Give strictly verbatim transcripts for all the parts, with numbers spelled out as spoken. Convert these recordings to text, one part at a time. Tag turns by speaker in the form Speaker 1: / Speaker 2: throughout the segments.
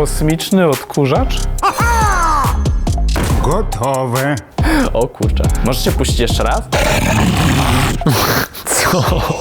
Speaker 1: Kosmiczny odkurzacz?
Speaker 2: Gotowe.
Speaker 3: O kurczę. Możecie puścić jeszcze raz?
Speaker 1: Co?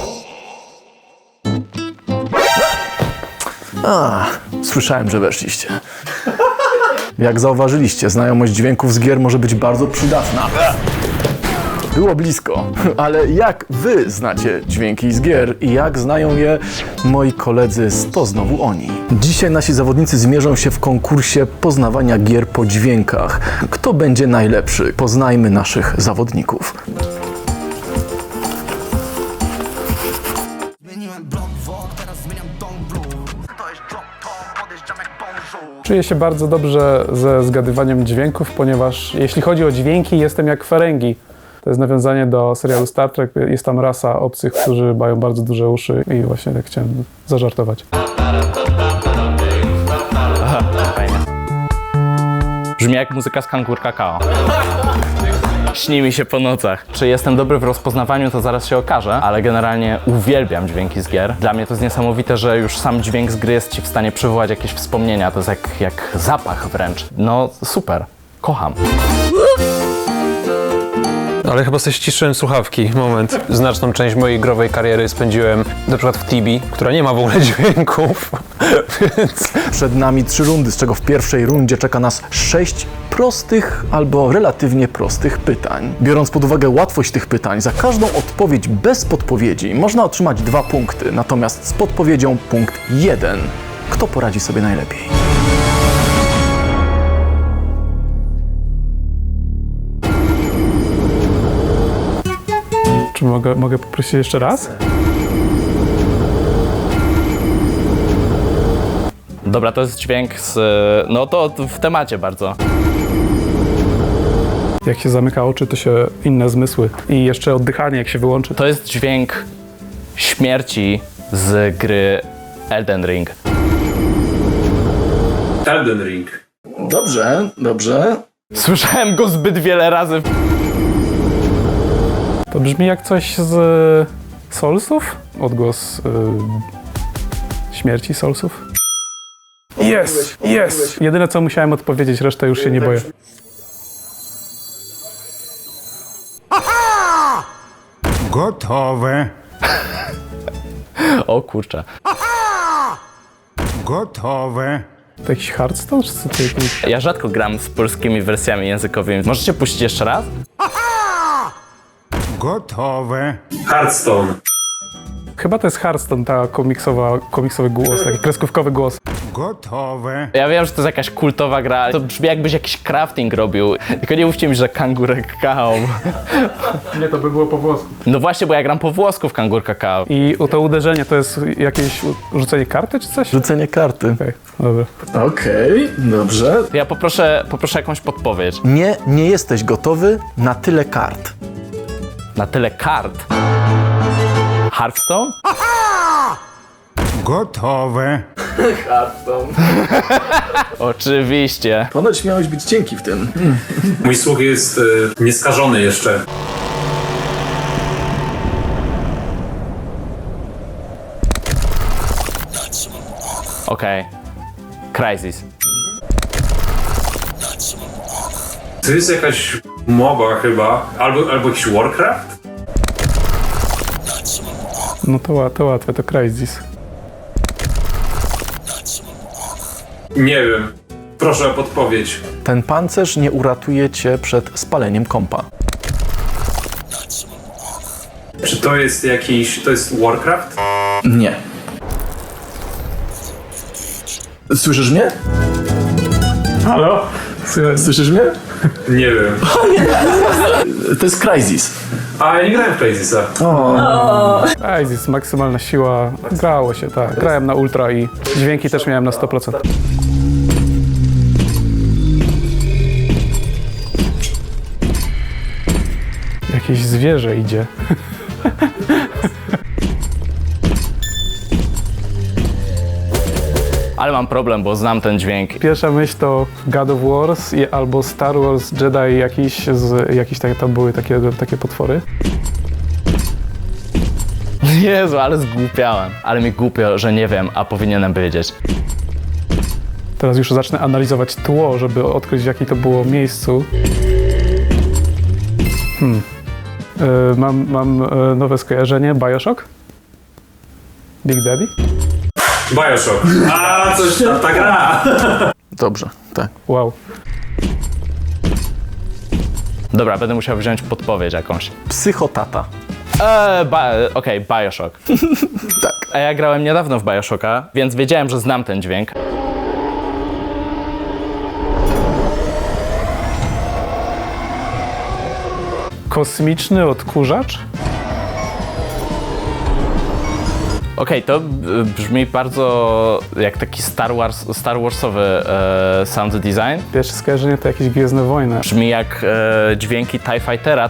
Speaker 4: A, słyszałem, że weszliście. Jak zauważyliście, znajomość dźwięków z gier może być bardzo przydatna. Było blisko, ale jak wy znacie dźwięki z gier i jak znają je moi koledzy z To Znowu Oni? Dzisiaj nasi zawodnicy zmierzą się w konkursie poznawania gier po dźwiękach. Kto będzie najlepszy? Poznajmy naszych zawodników.
Speaker 1: Czuję się bardzo dobrze ze zgadywaniem dźwięków, ponieważ jeśli chodzi o dźwięki, jestem jak Ferengi. To jest nawiązanie do serialu Star Trek. Jest tam rasa obcych, którzy mają bardzo duże uszy i właśnie tak chciałem zażartować.
Speaker 3: Aha, fajnie. Brzmi jak muzyka z Kangur Kakao. Śni mi się po nocach. Czy jestem dobry w rozpoznawaniu, to zaraz się okaże, ale generalnie uwielbiam dźwięki z gier. Dla mnie to jest niesamowite, że już sam dźwięk z gry jest ci w stanie przywołać jakieś wspomnienia. To jest jak, jak zapach wręcz. No super. Kocham.
Speaker 5: Ale chyba sobie ściszyłem słuchawki. Moment. Znaczną część mojej growej kariery spędziłem na przykład w Tibi, która nie ma w ogóle dźwięków, więc...
Speaker 4: Przed nami trzy rundy, z czego w pierwszej rundzie czeka nas sześć prostych albo relatywnie prostych pytań. Biorąc pod uwagę łatwość tych pytań, za każdą odpowiedź bez podpowiedzi można otrzymać dwa punkty, natomiast z podpowiedzią punkt jeden. Kto poradzi sobie najlepiej?
Speaker 1: Czy mogę, mogę poprosić jeszcze raz?
Speaker 3: Dobra, to jest dźwięk z... No to w temacie bardzo.
Speaker 1: Jak się zamyka oczy, to się inne zmysły. I jeszcze oddychanie, jak się wyłączy.
Speaker 3: To jest dźwięk śmierci z gry Elden Ring.
Speaker 6: Elden Ring.
Speaker 4: Dobrze, dobrze.
Speaker 3: Słyszałem go zbyt wiele razy.
Speaker 1: To brzmi jak coś z Soulsów? Odgłos y, śmierci Soulsów? Jest, jest! Jedyne co musiałem odpowiedzieć, resztę już się nie boję.
Speaker 2: Gotowe.
Speaker 3: O kurczę.
Speaker 2: Gotowe.
Speaker 1: To jakiś Hearthstone, czy co to jakiś...
Speaker 3: Ja rzadko gram z polskimi wersjami językowymi. Możecie puścić jeszcze raz?
Speaker 2: Gotowe.
Speaker 6: Hearthstone.
Speaker 1: Chyba to jest Hearthstone, ta komiksowa, komiksowy głos, taki kreskówkowy głos.
Speaker 2: Gotowe.
Speaker 3: Ja wiem, że to jest jakaś kultowa gra, ale to brzmi jakbyś jakiś crafting robił. Tylko nie mówcie mi, że Kangur Kakao.
Speaker 1: Nie, to by było po włosku.
Speaker 3: No właśnie, bo ja gram po włosku w Kangur Kakao.
Speaker 1: I to uderzenie to jest jakieś rzucenie karty, czy coś?
Speaker 4: Rzucenie karty.
Speaker 1: Okej, dobra.
Speaker 4: Okej, dobrze.
Speaker 3: Ja poproszę, poproszę jakąś podpowiedź.
Speaker 4: Nie, nie jesteś gotowy na tyle kart.
Speaker 3: Na tyle kart. Hearthstone?
Speaker 2: Gotowe.
Speaker 3: Oczywiście.
Speaker 4: Ponoć miałeś być cienki w tym.
Speaker 6: Mój słuch jest y, nieskażony jeszcze.
Speaker 3: Okej. Crysis.
Speaker 6: To jest jakaś MOBA chyba, albo, albo jakiś Warcraft?
Speaker 1: No to, ła- to łatwe, to Crysis.
Speaker 6: Nie wiem. Proszę o podpowiedź.
Speaker 4: Ten pancerz nie uratuje cię przed spaleniem kompa.
Speaker 6: Czy to jest jakiś... to jest Warcraft?
Speaker 4: Nie. Słyszysz mnie?
Speaker 1: Halo?
Speaker 4: Słyszysz mnie?
Speaker 6: Nie wiem.
Speaker 4: To jest Crysis.
Speaker 6: A, ja nie grałem w Crysisa.
Speaker 1: Crysis, maksymalna siła. Grało się, tak. Grałem na ultra i dźwięki też miałem na sto procent. Jakieś zwierzę idzie.
Speaker 3: Ale mam problem, bo znam ten dźwięk.
Speaker 1: Pierwsza myśl to God of Wars i, albo Star Wars Jedi jakiś, z, jakiś tak, tam były takie, takie potwory.
Speaker 3: Jezu, ale zgłupiałem. Ale mi głupio, że nie wiem, a powinienem wiedzieć.
Speaker 1: To Teraz już zacznę analizować tło, żeby odkryć, w jakim to było miejscu. Hmm. Yy, mam mam yy, nowe skojarzenie. Bioshock? Big Daddy?
Speaker 6: Bioshock. A, coś tam, ta gra.
Speaker 4: Dobrze, tak.
Speaker 1: Wow.
Speaker 3: Dobra, będę musiał wziąć podpowiedź jakąś.
Speaker 4: Psychotata.
Speaker 3: Eee, ba- okej, Bioshock.
Speaker 4: Tak.
Speaker 3: A ja grałem niedawno w Bioshocka, więc wiedziałem, że znam ten dźwięk.
Speaker 1: Kosmiczny odkurzacz?
Speaker 3: Okej, to y, brzmi bardzo jak taki Star Wars, Star Warsowy e, sound design.
Speaker 1: Pierwsze skojarzenie to jakieś Gwiezdne Wojny.
Speaker 3: Brzmi jak e, dźwięki TIE Fightera.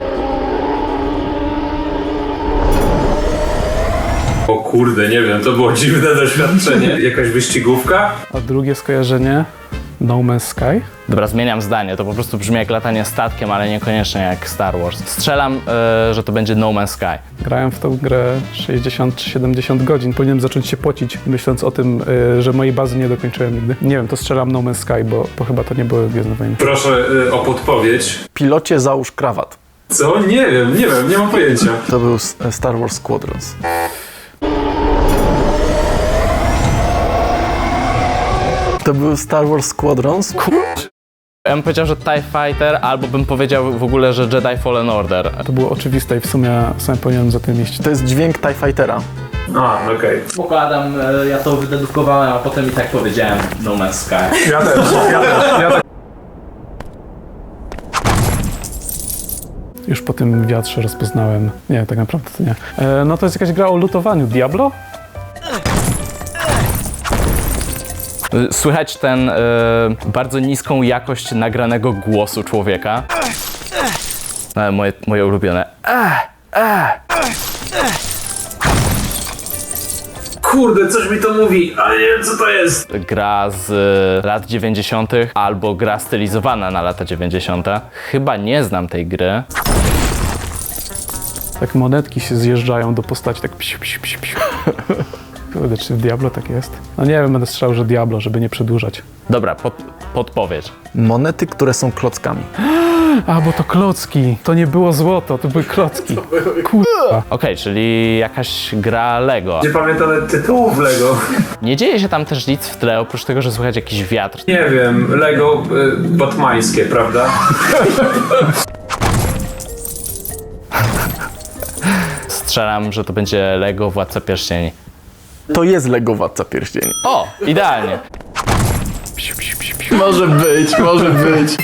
Speaker 6: O kurde, nie wiem, to było dziwne doświadczenie. Jakaś wyścigówka?
Speaker 1: A drugie skojarzenie? No Man's Sky?
Speaker 3: Dobra, zmieniam zdanie, to po prostu brzmi jak latanie statkiem, ale niekoniecznie jak Star Wars. Strzelam, e, że to będzie No Man's Sky.
Speaker 1: Grałem w tą grę sześćdziesiąt czy siedemdziesiąt godzin. Powinienem zacząć się pocić, myśląc o tym, y, że mojej bazy nie dokończyłem nigdy. Nie wiem, to strzelam No Man's Sky, bo, bo chyba to nie były Gwiezdne Wojny.
Speaker 6: Proszę y, o podpowiedź.
Speaker 4: Pilocie załóż krawat.
Speaker 6: Co? Nie wiem, nie wiem, nie mam pojęcia.
Speaker 4: To był S- Star Wars Squadrons. To był Star Wars Squadrons.
Speaker 3: Ja bym powiedział, że TIE Fighter, albo bym powiedział w ogóle, że Jedi Fallen Order.
Speaker 1: To było oczywiste i w sumie, w sumie powinienem za tym iść.
Speaker 4: To jest dźwięk TIE Fightera.
Speaker 6: A, okej.
Speaker 3: Spoko, Adam, e, ja to wydedukowałem, a potem i tak powiedziałem No Man's Sky.
Speaker 1: Ja też, ja też, ja też. Już po tym wiatrze rozpoznałem. Nie, tak naprawdę to nie. E, no to jest jakaś gra o lutowaniu. Diablo?
Speaker 3: Słychać ten e, bardzo niską jakość nagranego głosu człowieka. E, moje, moje ulubione.
Speaker 6: Kurde, coś mi to mówi, ale nie wiem co to jest.
Speaker 3: Gra z e, lat dziewięćdziesiątych albo gra stylizowana na lata dziewięćdziesiąte. Chyba nie znam tej gry.
Speaker 1: Tak monetki się zjeżdżają do postaci, tak psiu, psiu, psiu, psiu. Kurde, czy w Diablo tak jest? No nie wiem, będę strzelał, że Diablo, żeby nie przedłużać.
Speaker 3: Dobra, pod, podpowiedź.
Speaker 4: Monety, które są klockami.
Speaker 1: A, bo to klocki. To nie było złoto, to były klocki. Kurwa.
Speaker 3: Okej, czyli jakaś gra Lego.
Speaker 6: Nie pamiętam nawet tytułów Lego.
Speaker 3: Nie dzieje się tam też nic w tle, oprócz tego, że słychać jakiś wiatr.
Speaker 6: Nie wiem, Lego y, batmańskie, prawda?
Speaker 3: Strzelam, że to będzie Lego Władca Pierścieni.
Speaker 4: To jest Lego Władca Pierścieni.
Speaker 3: O, idealnie.
Speaker 1: Psiu, psiu, psiu, psiu.
Speaker 4: Może być, może być.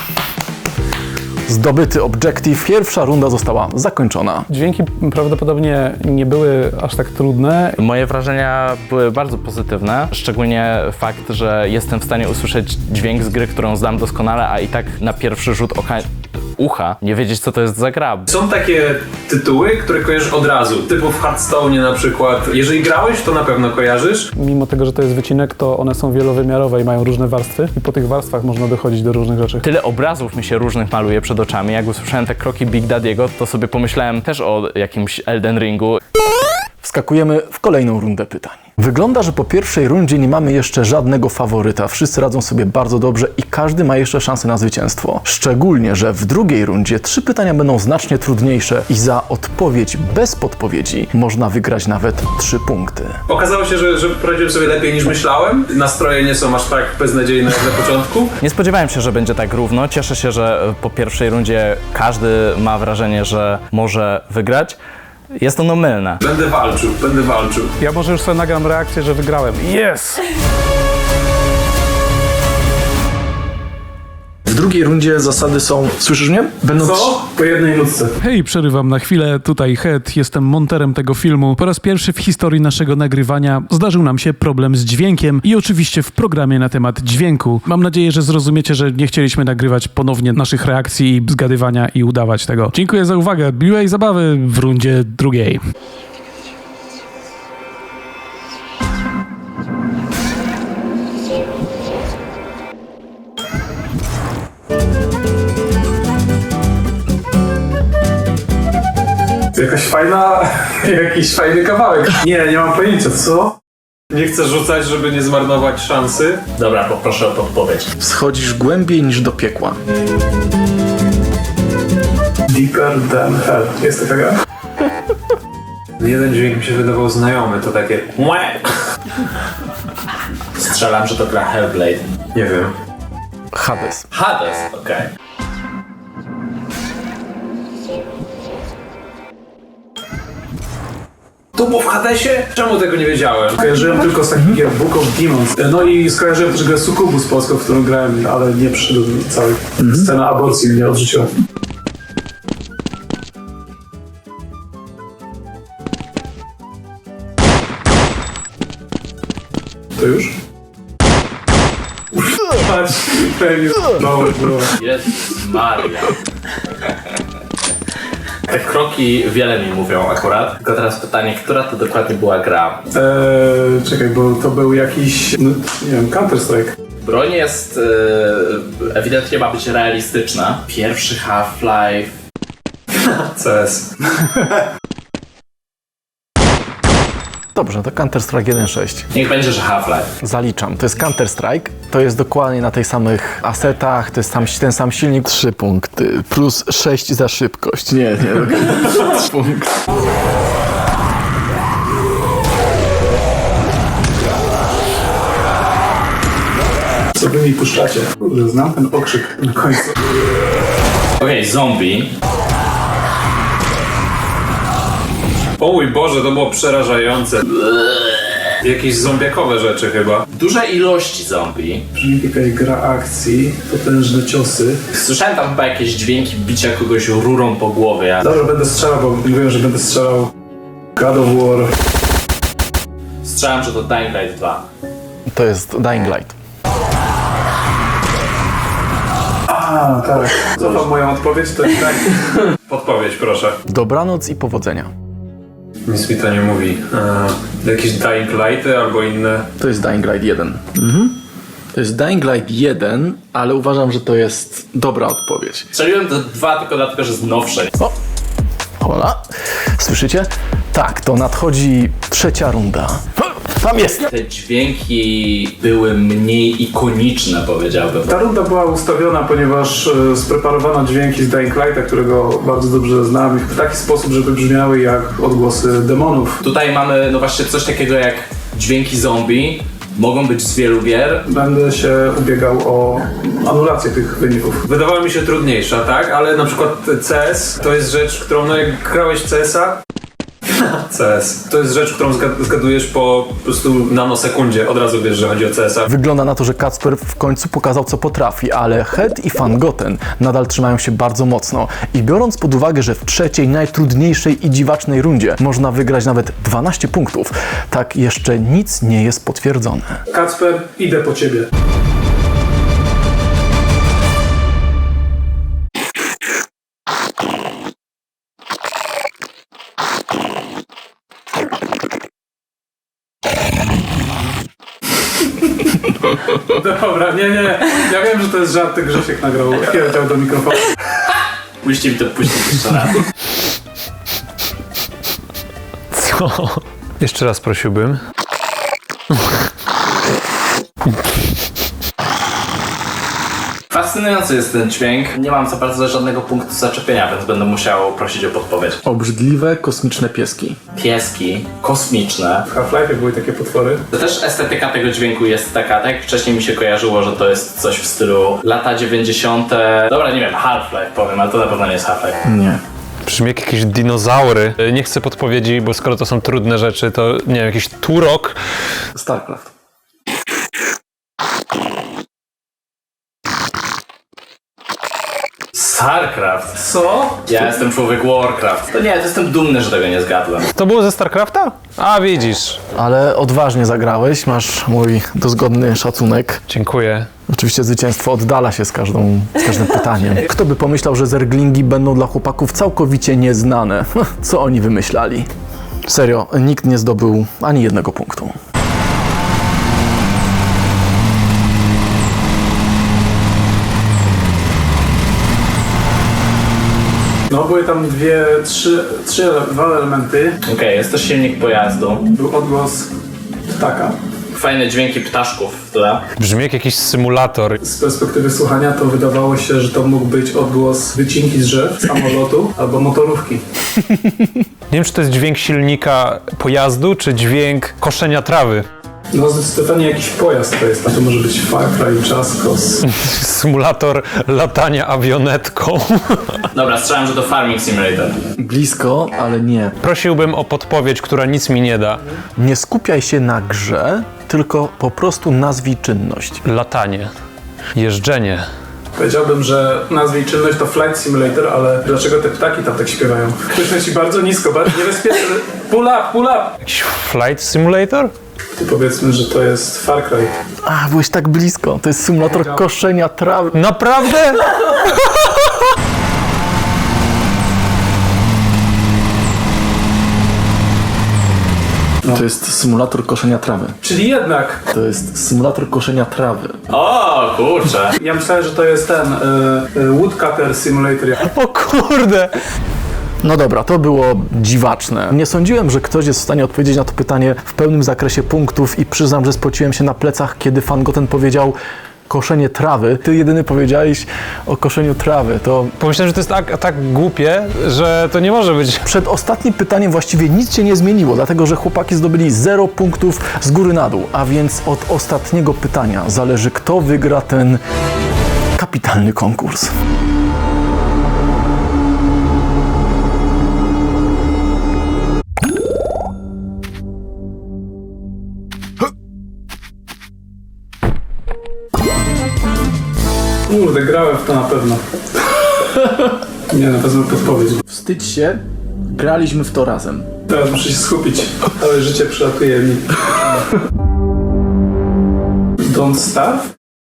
Speaker 4: Zdobyty obiektyw. Pierwsza runda została zakończona.
Speaker 1: Dźwięki prawdopodobnie nie były aż tak trudne.
Speaker 3: Moje wrażenia były bardzo pozytywne, szczególnie fakt, że jestem w stanie usłyszeć dźwięk z gry, którą znam doskonale, a i tak na pierwszy rzut oka ucha nie wiedzieć, co to jest za gra.
Speaker 6: Są takie tytuły, które kojarzysz od razu, typu w Hearthstone na przykład. Jeżeli grałeś, to na pewno kojarzysz.
Speaker 1: Mimo tego, że to jest wycinek, to one są wielowymiarowe i mają różne warstwy i po tych warstwach można dochodzić do różnych rzeczy.
Speaker 3: Tyle obrazów mi się różnych maluje przed oczami. Jak usłyszałem te kroki Big Daddy'ego, to sobie pomyślałem też o jakimś Elden Ringu.
Speaker 4: Wskakujemy w kolejną rundę pytań. Wygląda, że po pierwszej rundzie nie mamy jeszcze żadnego faworyta. Wszyscy radzą sobie bardzo dobrze i każdy ma jeszcze szansę na zwycięstwo. Szczególnie, że w drugiej rundzie trzy pytania będą znacznie trudniejsze i za odpowiedź bez podpowiedzi można wygrać nawet trzy punkty.
Speaker 6: Okazało się, że, że poradziłem sobie lepiej niż myślałem. Nastroje nie są aż tak beznadziejne jak na początku.
Speaker 3: Nie spodziewałem się, że będzie tak równo. Cieszę się, że po pierwszej rundzie każdy ma wrażenie, że może wygrać. Jest ono mylne.
Speaker 6: Będę walczył, będę walczył.
Speaker 1: Ja może już sobie nagram reakcję, że wygrałem. Yes!
Speaker 4: W drugiej rundzie zasady są... Słyszysz mnie? Będą
Speaker 6: Co? Po jednej nutce.
Speaker 1: Hej, przerywam na chwilę. Tutaj Head, jestem monterem tego filmu. Po raz pierwszy w historii naszego nagrywania zdarzył nam się problem z dźwiękiem i oczywiście w programie na temat dźwięku. Mam nadzieję, że zrozumiecie, że nie chcieliśmy nagrywać ponownie naszych reakcji i zgadywania i udawać tego. Dziękuję za uwagę. Miłej zabawy w rundzie drugiej.
Speaker 6: Jakaś fajna, jakiś fajny kawałek. Nie, nie mam pojęcia, co? Nie chcę rzucać, żeby nie zmarnować szansy.
Speaker 3: Dobra, poproszę o podpowiedź.
Speaker 4: Schodzisz głębiej niż do piekła.
Speaker 1: Deeper than hell. Jest taka gra?
Speaker 6: Jeden dźwięk mi się wydawał znajomy, to takie łe.
Speaker 3: Strzelam, że to gra Hellblade.
Speaker 6: Nie wiem.
Speaker 4: Hades.
Speaker 3: Hades, okej.
Speaker 6: To było w Hadesie? Czemu tego nie wiedziałem? Kojarzyłem tylko z takich gier Book of Demons. No i skojarzyłem też grę Succubus polską, w którą grałem, ale nie przyszedł cały. Scena aborcji mnie odrzuciła. To już? Patrz, pewnie. No, no.
Speaker 3: Jezus Maria. Te kroki wiele mi mówią akurat. Tylko teraz pytanie, która to dokładnie była gra?
Speaker 1: Eee, czekaj, bo to był jakiś, no, nie wiem, Counter-Strike.
Speaker 3: Broń jest e, ewidentnie ma być realistyczna. Pierwszy Half-Life.
Speaker 6: C S.
Speaker 4: Dobrze, to Counter-Strike jeden sześć.
Speaker 3: Niech będzie, że Half-Life.
Speaker 4: Zaliczam. To jest Counter-Strike. To jest dokładnie na tych samych asetach, to jest tam, ten sam silnik. Trzy punkty. Plus sześć za szybkość. Nie, nie. Trzy punkty.
Speaker 1: Co wy mi puszczacie? Kurde, znam ten okrzyk na końcu.
Speaker 3: Okej, okay, zombie.
Speaker 6: O mój Boże, to było przerażające. Jakieś zombiakowe rzeczy chyba.
Speaker 3: Duże ilości zombie.
Speaker 1: Brzmi jakaś gra akcji, potężne ciosy.
Speaker 3: Słyszałem tam chyba jakieś dźwięki bicia kogoś rurą po głowie.
Speaker 1: Dobra, będę strzelał, bo mówiłem, że będę strzelał God of War.
Speaker 3: Strzelam, że to Dying Light dwa.
Speaker 4: To jest Dying Light.
Speaker 1: A, tak. Cofam moją odpowiedź, to jest tak.
Speaker 6: Podpowiedź, proszę.
Speaker 4: Dobranoc i powodzenia.
Speaker 6: Nic mi to nie mówi. Eee, jakieś Dying Lighty albo inne.
Speaker 4: To jest Dying Light jeden. Mhm. To jest Dying Light jeden, ale uważam, że to jest dobra odpowiedź.
Speaker 3: Strzeliłem to dwa tylko dlatego, że jest nowsze.
Speaker 4: O! Hola. Słyszycie? Tak, to nadchodzi trzecia runda. Tam jest!
Speaker 3: Te dźwięki były mniej ikoniczne, powiedziałbym.
Speaker 1: Ta runda była ustawiona, ponieważ e, spreparowano dźwięki z Dying Lighta, którego bardzo dobrze znam, w taki sposób, żeby brzmiały jak odgłosy demonów.
Speaker 3: Tutaj mamy no właśnie coś takiego jak dźwięki zombie. Mogą być z wielu gier.
Speaker 1: Będę się ubiegał o anulację tych wyników.
Speaker 6: Wydawała mi się trudniejsza, tak? Ale na przykład C S to jest rzecz, którą no jak grałeś w C S a C S. To jest rzecz, którą zgad- zgadujesz po, po prostu nanosekundzie. Od razu wiesz, że chodzi o C S a.
Speaker 4: Wygląda na to, że Kacper w końcu pokazał, co potrafi, ale Head i Van Goten nadal trzymają się bardzo mocno. I biorąc pod uwagę, że w trzeciej, najtrudniejszej i dziwacznej rundzie można wygrać nawet dwanaście punktów, tak jeszcze nic nie jest potwierdzone.
Speaker 1: Kacper, idę po ciebie. Dobra, nie, nie, ja wiem, że to jest żart, Grzesiek nagrał, kierdział do mikrofonu.
Speaker 3: Musicie mi to puścić jeszcze raz.
Speaker 5: Co? Jeszcze raz prosiłbym.
Speaker 3: Fascynujący jest ten dźwięk. Nie mam co prawda żadnego punktu zaczepienia, więc będę musiał prosić o podpowiedź.
Speaker 4: Obrzydliwe, kosmiczne pieski.
Speaker 3: Pieski, kosmiczne.
Speaker 1: W Half-Life'ie były takie potwory.
Speaker 3: To też estetyka tego dźwięku jest taka, tak jak wcześniej mi się kojarzyło, że to jest coś w stylu lata dziewięćdziesiąte. Dobra, nie wiem, Half-Life powiem, ale to na pewno nie jest Half-Life.
Speaker 4: Nie.
Speaker 5: Brzmi jak jakieś dinozaury. Nie chcę podpowiedzi, bo skoro to są trudne rzeczy, to nie wiem, jakiś turok.
Speaker 4: StarCraft.
Speaker 3: StarCraft.
Speaker 6: Co?
Speaker 3: Ja jestem człowiek Warcraft. To nie, to jestem dumny, że tego nie zgadłem.
Speaker 5: To było ze StarCrafta? A, widzisz.
Speaker 4: Ale odważnie zagrałeś, masz mój dozgodny szacunek.
Speaker 5: Dziękuję.
Speaker 4: Oczywiście zwycięstwo oddala się z, każdą, z każdym pytaniem. Kto by pomyślał, że zerglingi będą dla chłopaków całkowicie nieznane? Co oni wymyślali? Serio, nikt nie zdobył ani jednego punktu.
Speaker 1: No, były tam dwie, trzy, trzy, dwa elementy.
Speaker 3: Okej, okay, jest to silnik pojazdu.
Speaker 1: Był odgłos ptaka.
Speaker 3: Fajne dźwięki ptaszków w tle.
Speaker 5: Brzmi jak jakiś symulator.
Speaker 1: Z perspektywy słuchania to wydawało się, że to mógł być odgłos wycinki z drzew, samolotu albo motorówki.
Speaker 5: Nie wiem, czy to jest dźwięk silnika pojazdu, czy dźwięk koszenia trawy.
Speaker 1: No zdecydowanie jakiś pojazd to jest. To może być Far Cry, Jaskos.
Speaker 5: Symulator latania awionetką.
Speaker 3: Dobra, strzelam, że to Farming Simulator.
Speaker 4: Blisko, ale nie.
Speaker 5: Prosiłbym o podpowiedź, która nic mi nie da.
Speaker 4: Nie skupiaj się na grze, tylko po prostu nazwij czynność.
Speaker 5: Latanie. Jeżdżenie.
Speaker 1: Powiedziałbym, że nazwij czynność to Flight Simulator, ale dlaczego te ptaki tam tak śpiewają? Ktoś ci bardzo nisko, bardzo niebezpieczne. Pull up, pull up!
Speaker 5: Jakiś flight simulator?
Speaker 1: To powiedzmy, że to jest Far Cry.
Speaker 4: A, byłeś tak blisko. To jest symulator koszenia trawy.
Speaker 5: Naprawdę?
Speaker 4: To jest symulator koszenia trawy.
Speaker 1: Czyli jednak.
Speaker 4: To jest symulator koszenia trawy.
Speaker 3: O, kurczę.
Speaker 1: Ja myślałem, że to jest ten y, y, Woodcutter Simulator.
Speaker 5: O kurde!
Speaker 4: No dobra, to było dziwaczne. Nie sądziłem, że ktoś jest w stanie odpowiedzieć na to pytanie w pełnym zakresie punktów i przyznam, że spociłem się na plecach, kiedy fan Goten powiedział koszenie trawy. Ty jedyny powiedziałeś o koszeniu trawy. To
Speaker 5: Pomyślałem, że to jest tak, tak głupie, że to nie może być.
Speaker 4: przed ostatnim pytaniem właściwie nic się nie zmieniło, dlatego że chłopaki zdobyli zero punktów z góry na dół. A więc od ostatniego pytania zależy, kto wygra ten kapitalny konkurs.
Speaker 1: Kurde, grałem w to na pewno. Nie, na pewno podpowiedź.
Speaker 4: Wstydź się, graliśmy w to razem.
Speaker 1: Teraz muszę się skupić. Całe życie przylatuje mi. Don't Starve?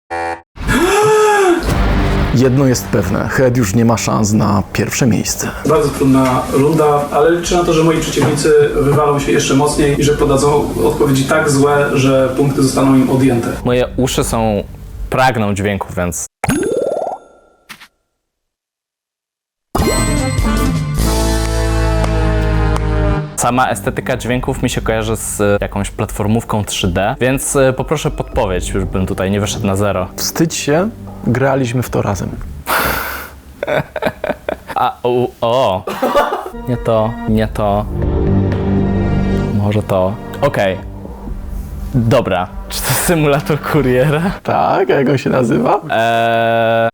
Speaker 4: Jedno jest pewne, Head już nie ma szans na pierwsze miejsce.
Speaker 1: Bardzo trudna runda, ale liczę na to, że moi przeciwnicy wywalą się jeszcze mocniej i że podadzą odpowiedzi tak złe, że punkty zostaną im odjęte.
Speaker 3: Moje uszy są... pragną dźwięków, więc... Sama estetyka dźwięków mi się kojarzy z jakąś platformówką trzy D, więc y, poproszę podpowiedź, już bym tutaj nie wyszedł na zero.
Speaker 4: Wstydź się, graliśmy w to razem.
Speaker 3: A, o, o. Nie to, nie to. Może to. Okej. Dobra. Czy to symulator kuriera?
Speaker 4: Tak, a jak on się nazywa?
Speaker 3: Eee...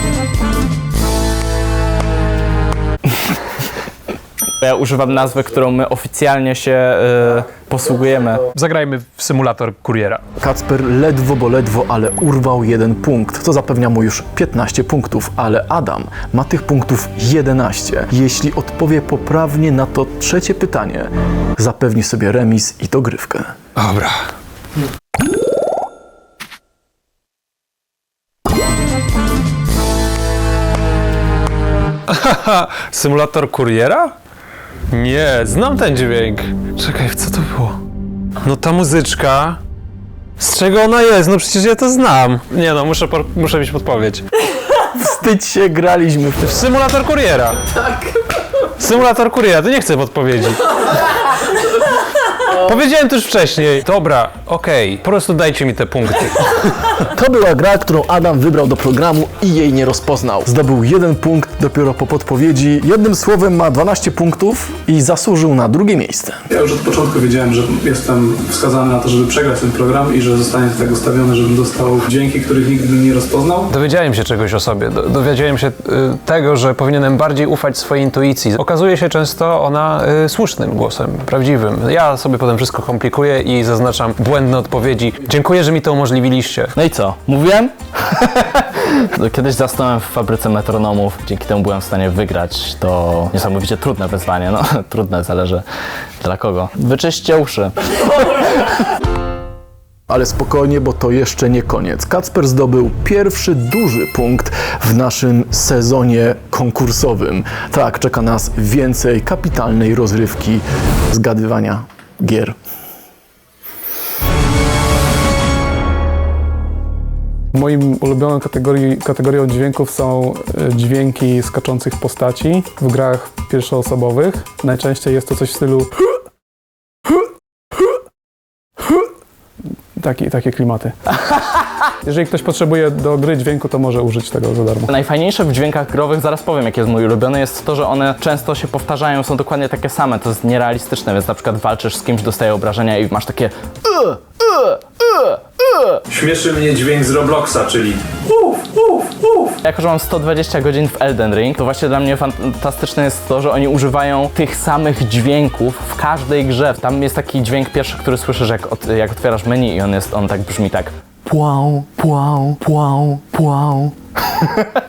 Speaker 3: Ja używam nazwy, którą my oficjalnie się y, posługujemy.
Speaker 5: Zagrajmy w symulator kuriera.
Speaker 4: Kacper ledwo, bo ledwo, ale urwał jeden punkt, co zapewnia mu już piętnaście punktów, ale Adam ma tych punktów jedenaście. Jeśli odpowie poprawnie na to trzecie pytanie, zapewni sobie remis i dogrywkę.
Speaker 5: Dobra. Haha, symulator kuriera? Nie, znam ten dźwięk. Czekaj, co to było? No ta muzyczka. Z czego ona jest? No przecież ja to znam. Nie no, muszę, por- muszę mieć podpowiedź.
Speaker 4: Wstydź się, graliśmy w to.
Speaker 5: Symulator kuriera. Tak. Symulator kuriera, to nie chcę podpowiedzi. Powiedziałem to już wcześniej. Dobra, okej, po prostu dajcie mi te punkty.
Speaker 4: To była gra, którą Adam wybrał do programu i jej nie rozpoznał. Zdobył jeden punkt dopiero po podpowiedzi. Jednym słowem ma dwanaście punktów i zasłużył na drugie miejsce.
Speaker 1: Ja już od początku wiedziałem, że jestem wskazany na to, żeby przegrać ten program i że zostanie to tak ustawione, żebym dostał dźwięki, których nigdy bym nie rozpoznał.
Speaker 5: Dowiedziałem się czegoś o sobie. Do, dowiedziałem się y, tego, że powinienem bardziej ufać swojej intuicji. Okazuje się często ona y, słusznym głosem, prawdziwym. Ja sobie potem wszystko komplikuję i zaznaczam błędne odpowiedzi. Dziękuję, że mi to umożliwiliście.
Speaker 3: No i co? Mówiłem? Kiedyś zasnąłem w fabryce metronomów. Dzięki temu byłem w stanie wygrać to niesamowicie trudne wyzwanie. No, trudne, zależy dla kogo. Wyczyście uszy.
Speaker 4: Ale spokojnie, bo to jeszcze nie koniec. Kacper zdobył pierwszy duży punkt w naszym sezonie konkursowym. Tak, czeka nas więcej kapitalnej rozrywki zgadywania gier.
Speaker 1: Moim ulubioną kategorii, kategorią dźwięków są e, dźwięki skaczących postaci w grach pierwszoosobowych. Najczęściej jest to coś w stylu taki, takie klimaty. Jeżeli ktoś potrzebuje do gry dźwięku, to może użyć tego za darmo.
Speaker 3: Najfajniejsze w dźwiękach growych, zaraz powiem jaki jest mój ulubiony, jest to, że one często się powtarzają, są dokładnie takie same, to jest nierealistyczne, więc na przykład walczysz z kimś, dostaje obrażenia i masz takie "Ugh, ugh, ugh, ugh".
Speaker 6: Śmieszy mnie dźwięk z Robloxa, czyli uff, uff, uff.
Speaker 3: Jako że mam sto dwadzieścia godzin w Elden Ring, to właśnie dla mnie fantastyczne jest to, że oni używają tych samych dźwięków w każdej grze. Tam jest taki dźwięk pierwszy, który słyszysz jak, od, jak otwierasz menu i on jest, on tak brzmi tak płał, płał, płał, płał.